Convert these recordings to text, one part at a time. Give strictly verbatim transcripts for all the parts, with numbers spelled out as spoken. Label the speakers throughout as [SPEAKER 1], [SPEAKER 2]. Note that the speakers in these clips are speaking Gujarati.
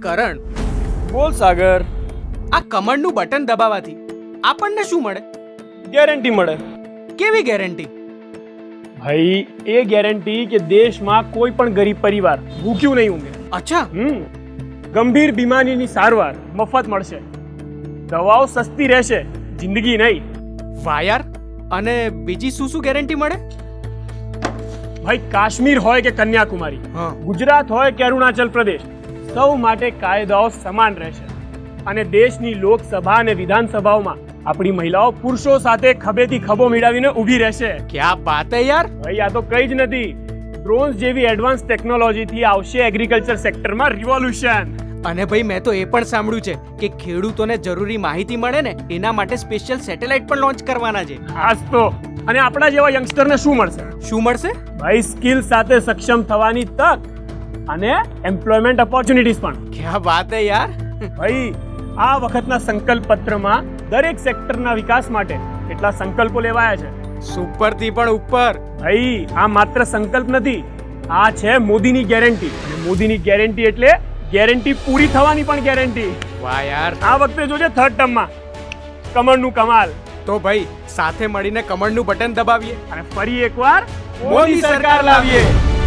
[SPEAKER 1] કરણ,
[SPEAKER 2] બોલ સાગર.
[SPEAKER 1] આ કમળનું બટન દબાવવાથી આપણને શું મળે?
[SPEAKER 2] ગેરંટી મળે
[SPEAKER 1] કેવી ગેરંટી?
[SPEAKER 2] ભાઈ, એ ગેરંટી કે દેશમાં કોઈ પણ ગરીબ પરિવાર ભૂખ્યું નહીં ઊંઘે.
[SPEAKER 1] અચ્છા,
[SPEAKER 2] હમ ગંભીર બીમારીની સારવાર મફત મળશે, દવાઓ સસ્તી રહેશે, જિંદગી નહીં.
[SPEAKER 1] વાહ યાર. અને બીજી શું શું ગેરંટી મળે?
[SPEAKER 2] ભાઈ, કાશ્મીર હોય કે કન્યાકુમારી,
[SPEAKER 1] હા.
[SPEAKER 2] ગુજરાત હોય કે અરુણાચલ પ્રદેશ, સૌ માટે કાયદાઓ સમાન રહેશે. અને દેશની લોકસભા અને વિધાનસભાઓમાં આપણી મહિલાઓ પુરુષો સાથે ખભેથી ખભો મિલાવીને ઊભી રહેશે.
[SPEAKER 1] ક્યા બાત હે યાર.
[SPEAKER 2] ભાઈ, આ તો કઈ જ નથી. ડ્રોન્સ જેવી એડવાન્સ ટેકનોલોજીથી આવશે એગ્રીકલ્ચર સેક્ટરમાં રિવોલ્યુશન.
[SPEAKER 1] અને ભાઈ, મેં તો એ પણ સાંભળ્યું છે કે ખેડૂતોને જરૂરી માહિતી મળે ને એના માટે સ્પેશિયલ સેટેલાઇટ પણ લોન્ચ કરવાના છે.
[SPEAKER 2] ખાસ તો અને આપણા જેવા યંગસ્ટરને શું મળશે?
[SPEAKER 1] શું મળશે?
[SPEAKER 2] ભાઈ, સ્કિલ સાથે સક્ષમ થવાની તક અને એમ્પ્લોયમેન્ટ ઓપોર્ચ્યુનિટીઝ પણ.
[SPEAKER 1] ક્યા બાત હે યાર.
[SPEAKER 2] ભાઈ, આ વખતના સંકલ્પ પત્રમાં દરેક સેક્ટરના વિકાસ માટે કેટલા સંકલ્પો લેવાયા છે.
[SPEAKER 1] સુપર થી પણ ઉપર.
[SPEAKER 2] ભાઈ, આ માત્ર સંકલ્પ નથી, આ છે મોદીની ગેરંટી. અને મોદીની ગેરંટી એટલે ગેરંટી પૂરી થવાની પણ ગેરંટી.
[SPEAKER 1] વાહ યાર.
[SPEAKER 2] આ વખતે જોજે થર્ડ ટર્મમાં કમળનું કમાલ.
[SPEAKER 1] તો ભાઈ, સાથે મળીને કમળનું બટન દબાવીએ
[SPEAKER 2] અને ફરી એકવાર
[SPEAKER 1] મોદી સરકાર લાવીએ.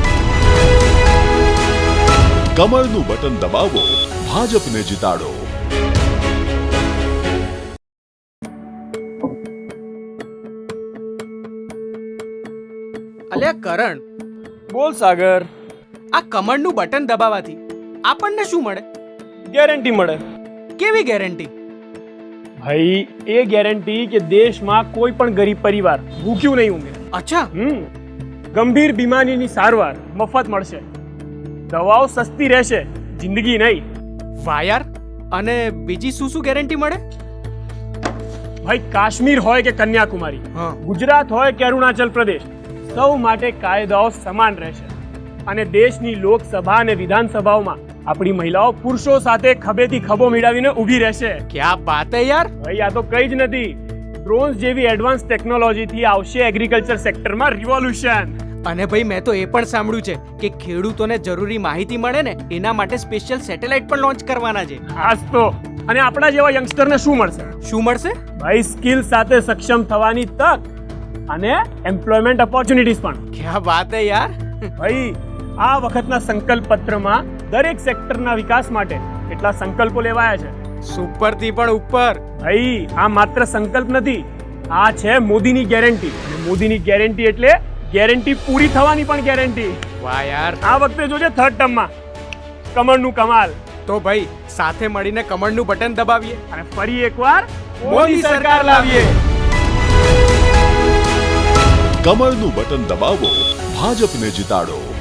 [SPEAKER 3] કમળનું બટન દબાવો, ભાજપને જીતાડો.
[SPEAKER 1] અલ્યા કરણ,
[SPEAKER 2] બોલ સાગર.
[SPEAKER 1] આ કમળનું બટન દબાવવાથી આપણને શું મળે?
[SPEAKER 2] ગેરંટી મળે
[SPEAKER 1] કેવી ગેરંટી?
[SPEAKER 2] ભાઈ, એ ગેરંટી કે દેશમાં કોઈ પણ ગરીબ પરિવાર ભૂખ્યું નહીં ઊંઘે.
[SPEAKER 1] અચ્છા,
[SPEAKER 2] હમ ગંભીર બીમારીની સારવાર મફત મળશે, દવાઓ સસ્તી રહેશે, જિંદગી નહીં.
[SPEAKER 1] વાહ યાર. અને બીજી શું શું ગેરંટી મળે?
[SPEAKER 2] ભાઈ, કાશ્મીર હોય કે કન્યાકુમારી,
[SPEAKER 1] હા.
[SPEAKER 2] ગુજરાત હોય કે અરુણાચલ પ્રદેશ, સૌ માટે કાયદાઓ સમાન રહેશે. અને દેશની લોકસભા અને વિધાનસભાઓમાં આપણી મહિલાઓ પુરુષો સાથે ખભેથી ખભો મિલાવીને ઊભી રહેશે.
[SPEAKER 1] ક્યા બાત હે યાર.
[SPEAKER 2] ભાઈ, આ તો કઈ જ નથી. ડ્રોન્સ જેવી એડવાન્સ ટેકનોલોજીથી આવશે એગ્રીકલ્ચર સેક્ટરમાં રિવોલ્યુશન.
[SPEAKER 1] અને ભાઈ, મેં તો એ પણ સાંભળ્યું છે કે ખેડૂતોને જરૂરી માહિતી મળે ને એના માટે સ્પેશિયલ સેટેલાઇટ પણ લોન્ચ કરવાના છે.
[SPEAKER 2] ખાસ તો અને આપણા જેવા યંગસ્ટરને શું મળશે?
[SPEAKER 1] શું મળશે?
[SPEAKER 2] ભાઈ, સ્કિલ સાથે સક્ષમ થવાની તક અને એમ્પ્લોયમેન્ટ ઓપોર્ચ્યુનિટીઝ પણ.
[SPEAKER 1] ક્યા બાત હે યાર.
[SPEAKER 2] ભાઈ, આ વખતના સંકલ્પ પત્રમાં દરેક સેક્ટરના વિકાસ માટે કેટલા સંકલ્પો લેવાયા છે.
[SPEAKER 1] સુપર થી પણ ઉપર.
[SPEAKER 2] ભાઈ, આ માત્ર સંકલ્પ નથી, આ છે મોદીની ગેરંટી. અને મોદીની ગેરંટી એટલે ગેરંટી પૂરી થવાની પણ ગેરંટી.
[SPEAKER 1] વાહ યાર.
[SPEAKER 2] આ વખતે જોજે થર્ડ ટર્મમાં કમળનું કમાલ.
[SPEAKER 1] તો ભાઈ, સાથે મળીને કમળનું બટન દબાવીએ
[SPEAKER 2] અને ફરી એકવાર
[SPEAKER 1] મોદી સરકાર લાવીએ.
[SPEAKER 3] કમળનું બટન દબાવો, ભાજપને જીતાડો.